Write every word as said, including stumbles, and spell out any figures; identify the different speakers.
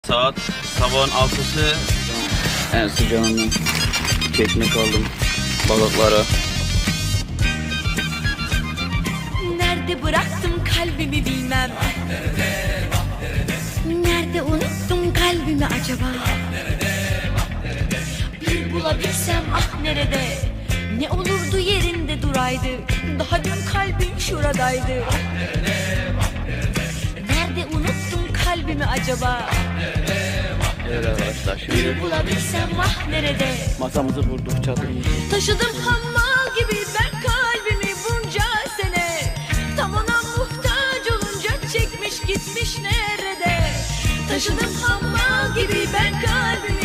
Speaker 1: Saat sabahın altısı. En sıcağını çekmek aldım balıkları.
Speaker 2: Nerede bıraktım kalbimi bilmem. Nerede unuttum kalbimi acaba? Bir bulabilsem ah nerede? Ne olurdu yerinde duraydı. Daha dün kalbim şuradaydı. Nerede unuttum kalbimi acaba?
Speaker 1: Evet arkadaşlar, şimdi
Speaker 2: Bir bulabilsem ah nerede?
Speaker 1: masamızı vurduk, çadırımızı.
Speaker 2: Taşıdım hammal gibi ben kalbimi bunca sene. Tam ona muhtaç olunca çekmiş gitmiş nerede? Taşıdım hammal gibi ben kalbimi